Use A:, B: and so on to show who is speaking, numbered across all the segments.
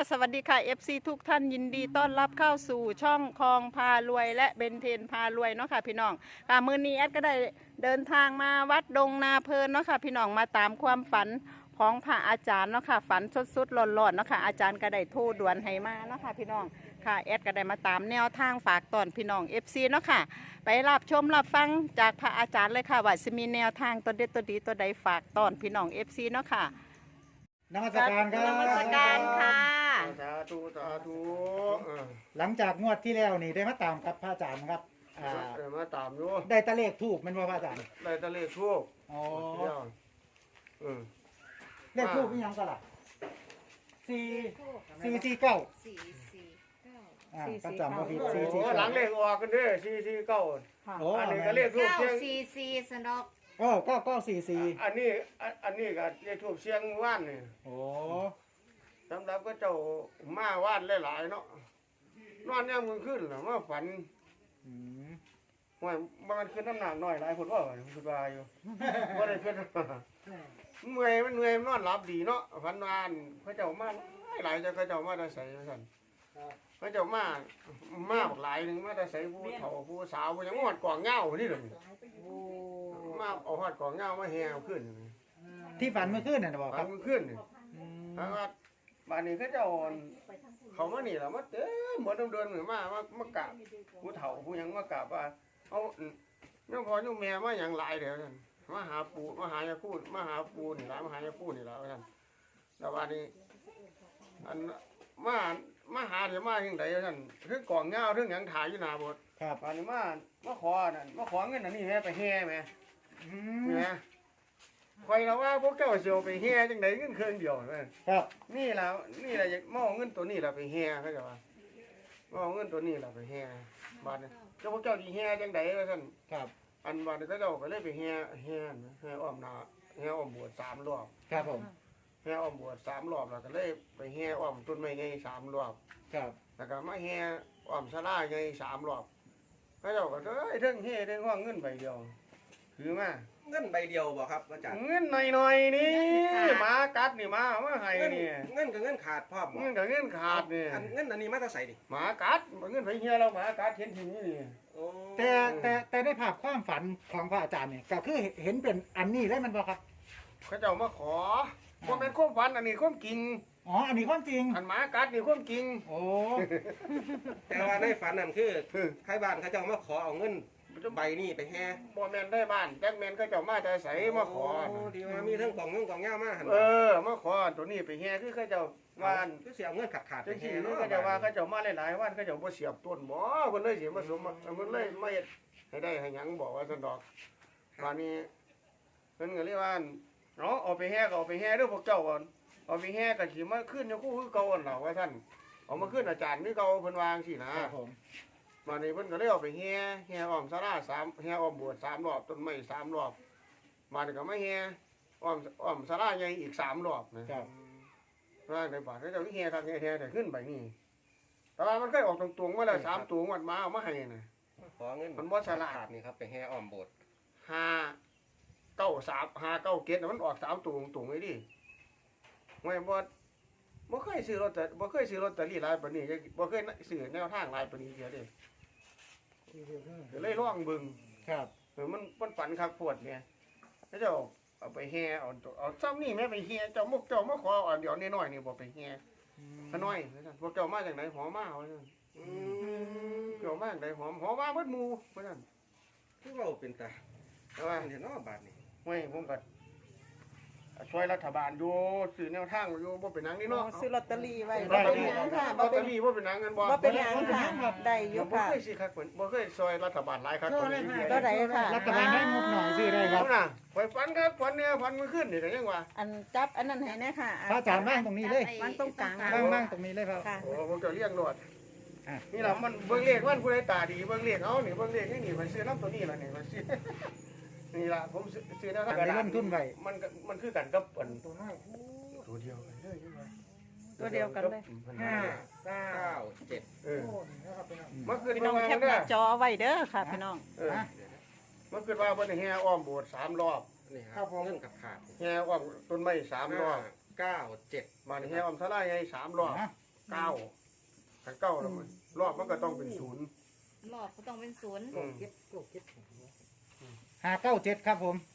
A: สวัสดีค่ะ FC ทุกท่านยินดีต้อนรับเข้าสู่ช่องคลองพารวยและเบนเทนพารวยเนาะค่ะพี่น้องค่ะมื้อนี้แอดก็ได้เดินทางมาวัดดงนาเพลินเนาะค่ะพี่น้องมาตามความฝันของพระอาจารย์เนาะค่ะฝันสดๆร้อนๆเนาะค่ะอาจารย์ก็ได้โทรด่วนให้มาเนาะค่ะพี่น้องค่ะแอดก็ได้มาตามแนวทางฝากตอนพี่น้อง FC เนาะค่ะไปรับชมรับฟังจากพระอาจารย์เลยค่ะว่าจะมีแนวทางตัวเด็ดตัวดีตัวใดฝากตอนพี่น้อง FC เนาะค่ะ
B: นมัสการครับ
A: นมัสการค่ะ
C: สาธุสาธุ
B: หลังจากงวดที่แล้วนี่ได้มาตามกับพระอาจารย์ครับ
C: มาตามอยู่
B: ได้ตะเลขถูกมันว่าพระอาจารย์
C: ได้ตะเลขทูก
B: อ๋อ
C: เดียว
B: เลขถูกเป็นยังก็ล่ะ449ประจำว่าผิด
C: โอ้หลังเลขออกกันเด้อ449
B: โอ้
C: อันนี้ก็เลขทูก
D: เก้า
C: เชียง
D: สี่สี่สนอก
B: โอ้9944
C: อันนี้ก็เลขทูกเชียงว่านนี่
B: โอ้
C: สำหรับก็เจ้ามาว่านหลายๆเนาะนอนยามมื้อคืนน่ะมาฝัน
B: อืม
C: ว่ามันขึ้นน้ำหนักน้อยหลายคนว่าคิดว่าอยู่บ่ได้ขึ้นเมื่อยมันเหนื่อยมันนอนหลับดีเนาะฝันวานเขาเจ้ามาหลายเจ้าเขาเจ้ามาได้ใส่ซั่นเขาเจ้ามาบักหลายนึงมาได้ใส่ผู้เฒ่าผู้สาวผู้หยังฮอดกองเหง้านี่เด้อมาเอาฮอดกองเหง้ามาแห่ขึ้น
B: ที่ฝันเมื่อคืนน่ะนะบอกค
C: ฝั
B: รั
C: น
B: บ
C: มันขึ้นนี่
B: อืม
C: ทางว่าบ้านนี้เขาเจ้าเขามานี่ล่ะมาเต็มหมดเดินมามากราบผู้เฒ่าผู้หยังมากราบว่าเอาน้องพ่อน้องแม่มาหยังหลายเด้อซั่นมาหาปู่มาหายาคูดมาหาปู่นี่ล่ะมาหายาปู่นี่ล่ะว่าซั่นแล้ววันนี้อันมาหาเดี๋ยวมาจังได๋ซั่นคือกองเหง้าถึงหยังถ่ายอยู่หน้าโบสถ์
B: ครับ
C: วันนี้มาขอนั่นมาขอเงินอันนี้แม่ไปแห่แม่
B: อื
C: นี่
B: ม
C: แม่คอยเราว่าพวกเจ้าสิเอาไปแห่จังได๋เงินเครื่องเดียวแม่
B: ครับ
C: นี่ล่ะอยากมาเอาเงินตัวนี้ล่ะไปแห่เขาเจ้าว่ามาเอาเงินตัวนี้ล่ะไปแห่บาดนี้เจ้าพวกเจ้าสิแห่จังได๋ว่าซั่น
B: ครับ
C: อันบาดนี้เขาเจ้าก็เลยไปแห่อ้อมนาแห่อ้อมโบสถ์3รอบ
B: ครับผม
C: แห่อ้อมโบสถ์3รอบแล้วก็เลยไปแห่อ้อมต้นไม้ใหญ่3รอบ
B: ครับ
C: แล้วก็มาแห่อ้อมศาลาใหญ่3รอบเขาเจ้าก็เอ้ยเทิงแห่เทิงห้องเงินใบเดียวถือมา
E: เงินใบเดียวบ่ครับอาจารย์
C: เงินหน่อยๆนี่หมากัดนี่หมาเอามาให้
E: เงิน
C: นี่
E: เงินกับเงินขาดพร้อมบ่
C: เงินกับเงินขาดนี่
E: อันเงินอันนี้มาแต่ใส่ดิ
C: หมากัดเงินไปเฮียเราหมากัดเห็นทีนี้นี่
E: โอ้
B: แต่ได้ภาพความฝันของพระอาจารย์เนี่ยก็คือเห็นเป็นอันนี้เลยมันบ่ครับ
C: เขาเจ้ามาขอบ่แม่นความฝันอันนี้ความจริง
B: อ๋ออันนี้ความจริง
C: อันหมากัดนี่ความจริง
B: โอ้
E: แต่ว่าในฝันนั่นคือใครบ้านเขาเจ้ามาขอเอาเงินใบนี้ไปแห่
C: บ่แม่นได้บ้านจักแม่นเขาเจ้ามาแต่ไสมาขอ
E: โดีว่ามีทั้งกล่องเงินกล่องเงามาหั่น
C: มาขอตัวนี้ไปเฮียคือเขาเจ้าว่าน
E: คือสิเอาเงินขาดๆไป
C: จัง
E: แห่
C: ซี่
E: เนาะ
C: เขาเจ้าว่าเขาเจ้ามาหลายๆวันเขาเจ้าบ่เสียบต้นบ่เพิ่นเลยสิมาสมเพิ่นเลยมาเฮ็ดให้ได้ให้หยังบอกว่าซั่นดอกตอนนี้เพิ่นก็เลยว่าเนาะเอาไปแห่ก็เอาไปแห่เด้อพวกเจ้าก่อนเอาไปแห่ก็สิมาขึ้นอยู่คู่คือเก่าอันล่ะว่าซั่นเอามาขึ้นอาจารย์คือเก่าเพิ่นวาจังซี่นะครับ
B: ผม
C: มานี่เพิ่นก็เลยเอาไปแห่อ้อมศาลา3แห่อ้อมโบสถ์3รอบต้นไม้3รอบมานี่ก็มาแห่อ้อมศาลาใหญ่อีก3รอบนะครับ ว่าในบาทเขาเจ้าที่แห่ทางแห่แต่ขึ้นไปนี่แต่ว่ามันเคยออกตรงๆมาแล้ว3ตัวมันมาเอามาให้น่ะ
E: ขอเงิน
C: มันบ่ฉลาด
E: ขาดนี่ครับไปแห่อ้อมโบสถ์
C: 5 9 3 5 9 7มันออก3ตัวตรงๆไว้ดิไม่บ่เคยซื้อลอตเตอรี่บ่เคยซื้อลอตเตอรี่หลายปานนี้บ่เคยซื้อแนวทางหลายปานนี้เดียวเด้ก็เลยลองเบิ่ง
B: ครับ
C: มันฝันคักปวดเนี่ยเขาเจ้าเอาไปแห่เอาซ้ำนี่แม่ไปแห่เจ้ามาขออันเดียวน้อยๆนี่บ่ไปแห่ขน้อยพวกเจ้ามาจากไหนหอมาว่าซั่น
E: อืม
C: เจ้ามาจากไหนหอมมาเบิดหมู่ว่าซั่น
E: คือเว้าเป็นตา
C: แต่ว่า
E: อันเห็นเนาะบาทนี่
C: เฮ้ยผมก็ช่วยรัฐบาลอยู่ซื้อแนวทางอยู่บ่เป็นหนังนี่เนาะ
A: ซื้อลอตเตอรี่ไว้
C: บ่
A: บ่
C: เป็
A: เป็น น
C: ห
A: ห
C: ยั
A: ยัง ง
C: ค่ะ
A: ค่ะ
C: บ่
A: บ่
C: เป็
A: เป็น น
C: บ่เป็นหนังกันบ่
A: บ่เป็นหยังค่ะได้อ
C: เดี๋ย
A: ยู่
C: วบ่
A: ค่ะ
C: เคยสิคักบ่เคยซอยรัฐบาลหลายคักกว่านี้
A: ก็ได้ค่ะ
B: รัฐบาลให้งบหน่อยซื้อได้ค
C: ค
B: รั
C: รับ บน่ะข่อยฝันครับฝันเนี่ยฝันมื้อคืนนี่ก็ยังว่า
A: อันจับอันนั้นให้แน่ค่ะ
B: พระอาจารย์ว่างตรงนี้เลย
A: วางตรงกลาง
B: ว่างตรงนี้เลยครับ
A: ค่ะ
C: โอ้ผมจะเลี้ยงรวด
B: อ่ะ
C: นี่ล่ะมันเบิ่งเลขมันผู้ใดตาดีเบิ่งเลขเอานี่เบิ่งเลขนี่ข่อยซื้อน้ำตัวนี้ล่ะนี่ข่อยซื้อ นี่ล่ะผมซื้อแนวทาง
B: ไปลงทุนไว้
C: มันคือกันกับอันตัวน้อยตัวเดียวกันเลยใช่ไหม
A: ตัวเดียวกันเลย
E: 5 9 7
C: เออมันคือ
A: พี่
C: ป
A: น้
C: ระ
A: อง
C: มาณ
A: แคป
C: นั้
A: หน้าน จอเอาไว้เด้อค่ะพี่น้อง
C: เออมันคือว่าเพิ่นแห่อ้อมโบสถ์3รอบ
E: นี่ครับเงินขาด
C: แห่อ้อมต้นไม้3รอบ
E: 9 7
C: มานี่แห่อ้อมศาลาใหญ่3รอบ
B: นะ
C: เก้าขันเก้าแล้วมันรอบมันก็ต้องเป็นศูนย์
D: รอบก็ต้องเป็นศูนย์
B: 597ครับผม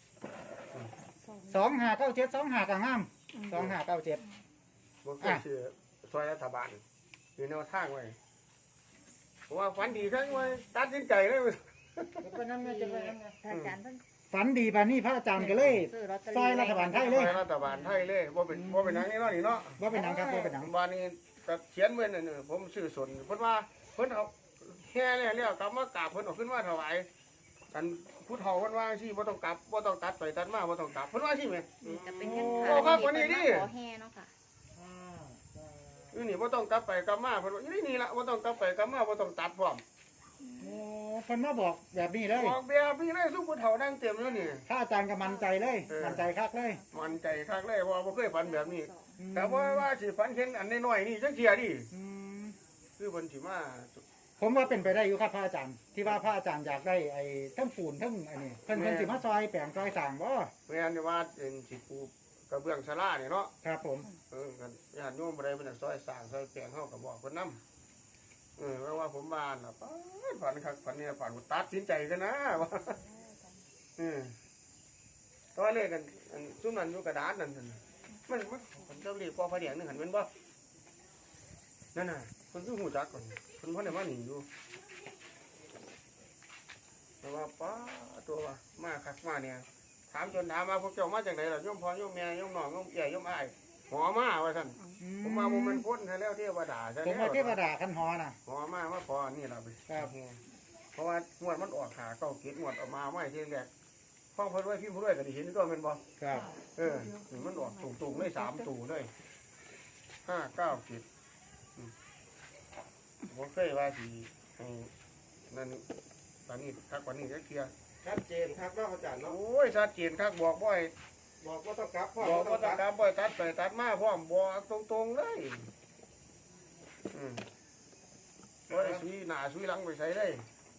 B: 2597 25ก็งาม2597
C: บ่เคยเชื่อซอยรัฐบาลมีแนวทางไว้เพราะว่าฝันดีทั้งไว้ตัดสินใจเลย
B: ไปนั่นจะไปนั่น
D: ถ้าอาจารย์เพิ่น
B: ฝันดีปานนี้พระอาจารย์ก็เลย
D: ซื้อลอตเตอ
B: ซอยรัฐบาลไทยเลย
C: รัฐบาลไทยเลยว่าเป็นหนังนี่เนาะนี่เนาะ
B: ว่าเป็นหนังครับว่าเป็นหนัง
C: วันนี้ก็เขียนไว้นั่นน่ะผมซื้อสนเพิ่นว่าเพิ่นเอาแค่แล้วกลับมากราบเพิ่นเอาขึ้นมาถวายกันผู้เฒ่าเพิ่นว่าสิบ่ต้องกลับบ่ต้องตัดไปตัดมาบ่ต้องกลับเพิ่นว่าสิแม่
D: นี่จะเป็นเงิน
C: โอ้ครับวันนี้ดิ
D: ขอแห่เนาะค่ะ
C: อยู่นี่บ่ต้องกลับไปกลับมาเพิ่นว่าอยู่นี่ล่ะบ่ต้องกลับไปกลับมาบ่ต้องตัดพร้อม
B: โอ้เพิ่นมาบอกแบบนี้เลย
C: บอกแบบนี้เลยซุผู้เฒ่านั่งเต็มอยู่นี่
B: พระอาจารย์ก็มั่นใจเลยมั่นใจคักเลย
C: มันใจคักเลยว่าบ่เคยฝันแบบนี้แต่ว่าสิฝันเห็นอันน้อยๆนี่จักเที่ยดิ
B: อืม
C: คือเพิ่นสิมา
B: ผมว่าเป็นไปได้อยู่ครับพระอาจารย์ที่ว่าพระอาจารย์อยากได้ไอ้ทั้งปูนทั้งอันนี้เพิ่นสิมาซอยแปลงซอยสร้างบ่
C: แม่นว่าเป็นสิปลูกกระเบื้องศาลานี่เนาะ
B: ครับผม
C: กันญาติโยมบ่ได้เป็นซอยสร้างซอยแปลงเฮาก็บอกเพิ่นนำเพราะว่าผมบ้านน่ะฝันคักฝันเนี่ยฝันตัดสินใจกันนะว่าตอนเลขกันซุ่มนั้นอยู่กระดาษนั่นมันเจ้าเรียกพอพระเดียงนึงหันแม่นบ่นั่นน่ะเพิ่นคือฮู้จักก่อนเพิ่นบ่ได้มาหนีอยู่แต่ว่าป้าตัวว่ามาคักมาเนี่ยถามจนถามมาพวกเจ้ามาจากไหนล่ะโยมพ่อโยมแม่โยมน้องโยมเอี่ยโยมอ้ายหอมาว่าซั่นผมมาบ่แม่นพ้นซะแล้วเทวดาซะ
B: ผม
C: แล้ว
B: ว่าเทวดาคันหอน่ะ
C: หอมาพอนี่ล่ะไป
B: ครับ
C: เพราะว่างวดมันออกหาเก้าเกตงวดออกมาไม่ทีแรกฟังเพิ่นไว้พิมพ์เพิ่นไว้ก็ได้เห็นก็แม่นบ่
B: ครับ
C: นี่มันออกตุ่งๆเลย3ตู่เลย5 9 7บ่เคยว่าสิให้นั่นตอนนี้ทักกว่านี้จักเที่ย
E: ชัดเจนครับเนาะอาจารย์เนาะ
C: โอ้ยชัดเจนคักบอกบ่ให้
E: บอกว่าต้องกลับพ่อ
C: บอก
E: ต้
C: ว่า
E: อง
C: ต้อง
E: กลับ
C: การบ่ให้ตัดไปตัดมาพร้อมบอกตรงๆเลยบ่ได้ซุยหน้าซุยหลังไปใส่เลย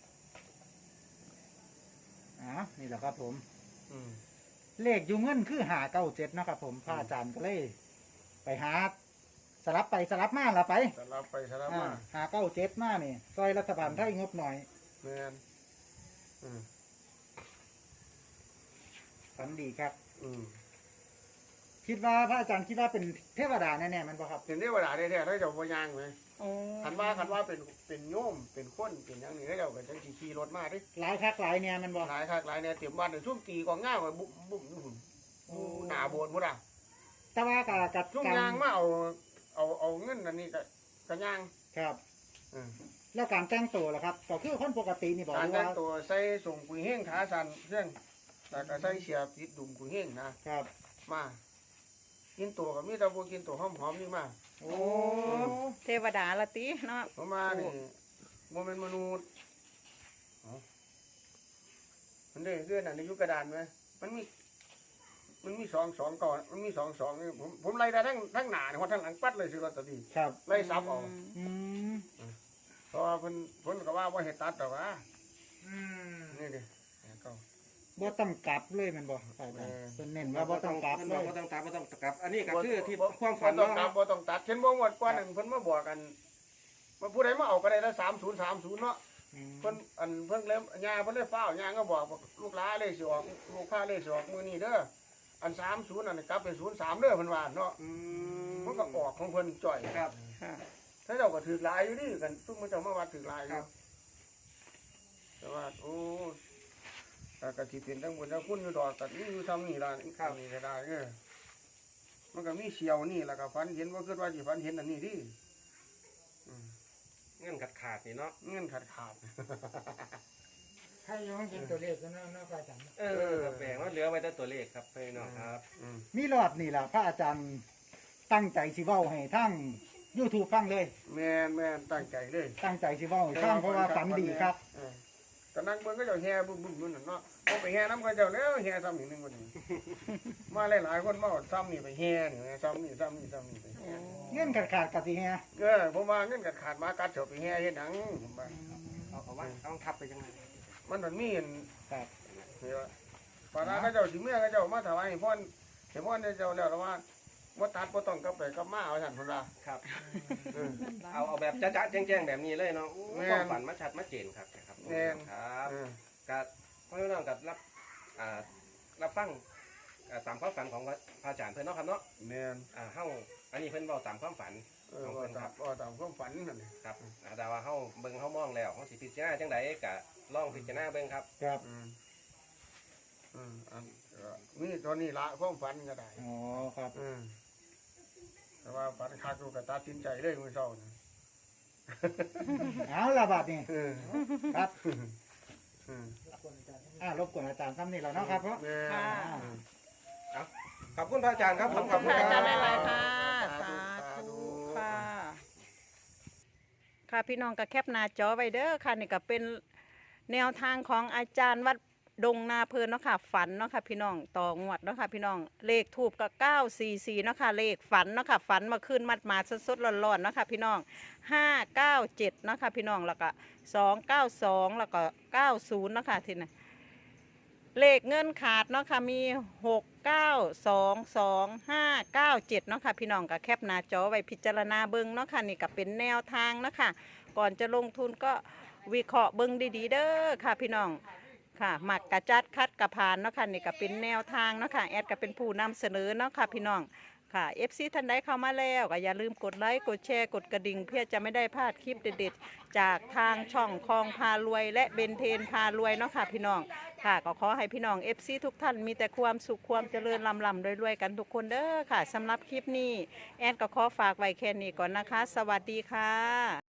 B: อ๋อนี่แหละครับผม
C: อืม
B: เลขอยู่เงินคือ597เนาะครับผมพระอาจารย์ก็เลยไปหาสลับไปสลับมาละไป
C: สลับไปสลับมา
B: 597มานี่ซอยรัฐบาลไทยงบหน่อย
C: แม่นอืม
B: ฝันดีครับ
C: อืม
B: คิดว่าพระอาจารย์คิดว่าเป็นเทวดาแน่ๆมันบ่ครับ
C: เห็นได้ว่าแท้ๆเขาเจ้าบ่ย่างไหม
A: โอ้
C: คันว่าเป็นโยมเป็นคนเป็นหยังนี่เขาเจ้าก็จังสิขี่รถมาเดิ
B: หลายคักหลายเนี่ยมันบ่
C: หลายคักหลายเนี่ยเตรียมบ้านซุ่มตีกองง่าวไว้บุ้มอยู่หุ่นหน้าโบสถ์พุ่นน่ะ
B: แต่ว่ากับ
C: ซุ่ม
B: การ
C: ยางมาเอาเงินอันนี้ก็ย่าง
B: ครับ
C: อืม
B: แล้วการแต่งตัวล่ะครับก็คือคนปกตินี่บอก
C: การ
B: ว่า
C: แต่งตัวใส่ส่งกุยเฮงขาสั่นเครื่องแล้วก็ใส่เสียปิดดุมกุยเฮงนะครับ มากินตัวก็มีแต่บ่กินตัวหอมๆนี่มา
B: โอ้
A: เทวดาละติเนาะ
C: เพราะมานี่บ่แม่นมนุษย์มันได้เรื่องอันในยุคกระดานไหมมันมีสองก่อนมันมีสองนี่ผมไล่ได้ทั้งหน้าเนี่ยทั้งหลังปัดเลยสิลอตเตอรี่
B: ครับ
C: ไล่ซับเอา
B: อืม
C: เพราะว่าเพิ่นก็ว่าบ่เฮ็ดตัดดอกว่า
B: อืม
C: นี่ดิก็
B: บ่ต้องกลับเลยมันบ่อาจารย์เพิ่นเน้นว่าบ่ต้องกลับเล
E: บอก
B: ย
E: ว่าต้องกลับบ่ต้องกลับ อันนี้ก็คือที่ความฝัน
C: บ่ต้อง
E: เนาะ
C: ตัดบ่ต้องตัดเช่นบ่งวดกว่านึงเพิ่นมาบอกกันว่าผู้ใดมาเอาก็ได้ละ3030เนาะ
B: อืม
C: เพิ่นเพิ่นเลยย่าเพิ่นเลยฟ้าวย่าก็บอกลูกหลานเลยสิออกลูกค้าเลยสิออกมื้อนี้เด้ออัน30อันกลับเป็น03เด้อเพิ่นว่าเนาะ
E: อื
C: มันก็ออกของเพิ่นจ่อย
E: ครับ
A: ค่ะ
C: ถ้าเจ้าก็ถือหลายอยู่ดิกันซุ่มมันเจ้ามาวัดถือหลายอยู่แต่ว่าโอ้ก็สิเป็นทั้งบนทั้งคุณอยู่ดอกก็มีอยู่ทำนี่ล่ะนี่ก็ได้มันก็มีเสียวนี่แล้วก็ฝันเห็นว่าคิดว่าสิฝันเห็นอันนี้ดิ
E: เงื่อนขาดนี่เนาะ
C: เงินขาด
B: ให้ย้อนเป็นตัวเลขก็น่าอาจารย์
E: แบ่งว่าเหลือไว้แต่ตัวเลขครับพี่น้องครับ
B: มีรอบนี่ล่ะพระอาจารย์ตั้งใจสิเว้าให้ทั้ง YouTube ฟังเลย
C: แม่นตั้งใจเลย
B: ตั้งใจสิเว้าให้ฟังเพราะว่าฝันดีครับ
C: ก็นั่งเบิ่งก็เจ้าแห่บึ้มๆนั่นเนาะเอาไปแห่น้ำก็เจ้าแล้วแห่ซ้ำอีกนึงวันนี้มาหลายๆคนมาซ้ำนี่ไปแห่นี่ซ้ำนี่ไปแห่
B: เงื่อนขาดๆกับสิแฮะ
C: ผมว่าเงินขาดมากัดเฉาไปแห่เฮ็ดหนังผมว่า
E: เอาว่าต้องทับไปยังไง
C: มันมีอัน
B: ครับ
C: นี่ว่าปานาก็เจ้าสิเมื่อก็เจ้ามาถวายให้พ่อนให้พ่อนเจ้าแล้วว่าบ่ตัดบ่ต้องกลับไปกลับมาเอาซั่นพุ่นล่ะ
E: ครับ
C: เออ
E: เอาแบบจ๊ะๆแจ้งๆแบบนี้เลยเนาะโอ้
C: แม่น
E: ความฝันมาชัดมาเจนครับครับ
C: แม่น
E: ครับ
C: เออ
E: กับพ่อพี่น้องกับรับฟังตามความฝันของพระอาจารย์เพิ่นเนาะครับเนาะ
C: แม่น
E: เฮาอันนี้เพิ่นเว้าตามความฝัน ของ
C: ว่า
E: เพิ่นค
C: ตา
E: รั
C: ม
E: บ
C: ว่าตามความฝันนั่นนี่
E: ครับแต่ว่าเฮาเบิ่งเฮามองแล้วเฮาสิพิจารณาจังไดก็ลองพิจารณาเบิ่งครับ
B: ครับ
C: อันนี่ตัวนี้ละความฝันก็ได้
B: อ๋อครับ
C: แต่ว่าฝันคักอยู่ก็ตัดสินใจเลยมื้อเช้านี่
B: เอาละบัดนี้
C: เออ
B: ครับ
C: อืม
B: รบกวนอาจารย์ซ้ำนี่แล้วเนาะครับเพราะ
C: แม่
A: ค่ะ
E: ขอบคุณพระอาจารย์ครับ
A: ขอบคุณค่ะอาจารย์หลายๆค่ะ
C: สา
A: สา
C: ธุ
A: ธุค่ะ ค่ะพี่น้องก็แคปหน้าจอไว้เด้อค่ะนี่ก็เป็นแนวทางของอาจารย์วัดดงนาเพลินเนาะค่ะฝันเนาะค่ะพี่น้องต่องวดเนาะค่ะพี่น้องเลขถูกก็944เนาะค่ะเลขฝันเนาะค่ะฝันมาขึ้นมัดมาสดๆร้อนๆเนาะค่ะพี่น้อง597เนาะค่ะพี่น้องแล้วก็292แล้วก็90เนาะค่ะทีนี้เลขเงินขาดเนาะค่ะมี6922597เนาะค่ะพี่น้องก็แคปหน้าจอไว้พิจารณาเบิ่งเนาะค่ะนี่ก็เป็นแนวทางเนาะค่ะก่อนจะลงทุนก็วิเคราะห์เบิ่งดีๆเด้อค่ะพี่น้องค่ะหมักกระจัดคัดกระพานเนาะค่ะนี่ก็เป็นแนวทางเนาะค่ะแอดก็เป็นผู้นำเสนอเนาะค่ะพี่น้องค่ะ FC ท่านใดเข้ามาแล้วก็อย่าลืมกดไลค์กดแชร์กดกระดิ่งเพื่อจะไม่ได้พลาดคลิปเด็ดๆจากทางช่องคลองพารวยและเบนเทนพารวยเนาะค่ะพี่น้องค่ะก็ขอให้พี่น้อง FC ทุกท่านมีแต่ความสุขความเจริญลำรวยๆกันทุกคนเด้อค่ะสำหรับคลิปนี้แอดก็ขอฝากไว้แค่นี้ก่อนนะคะ สวัสดีค่ะ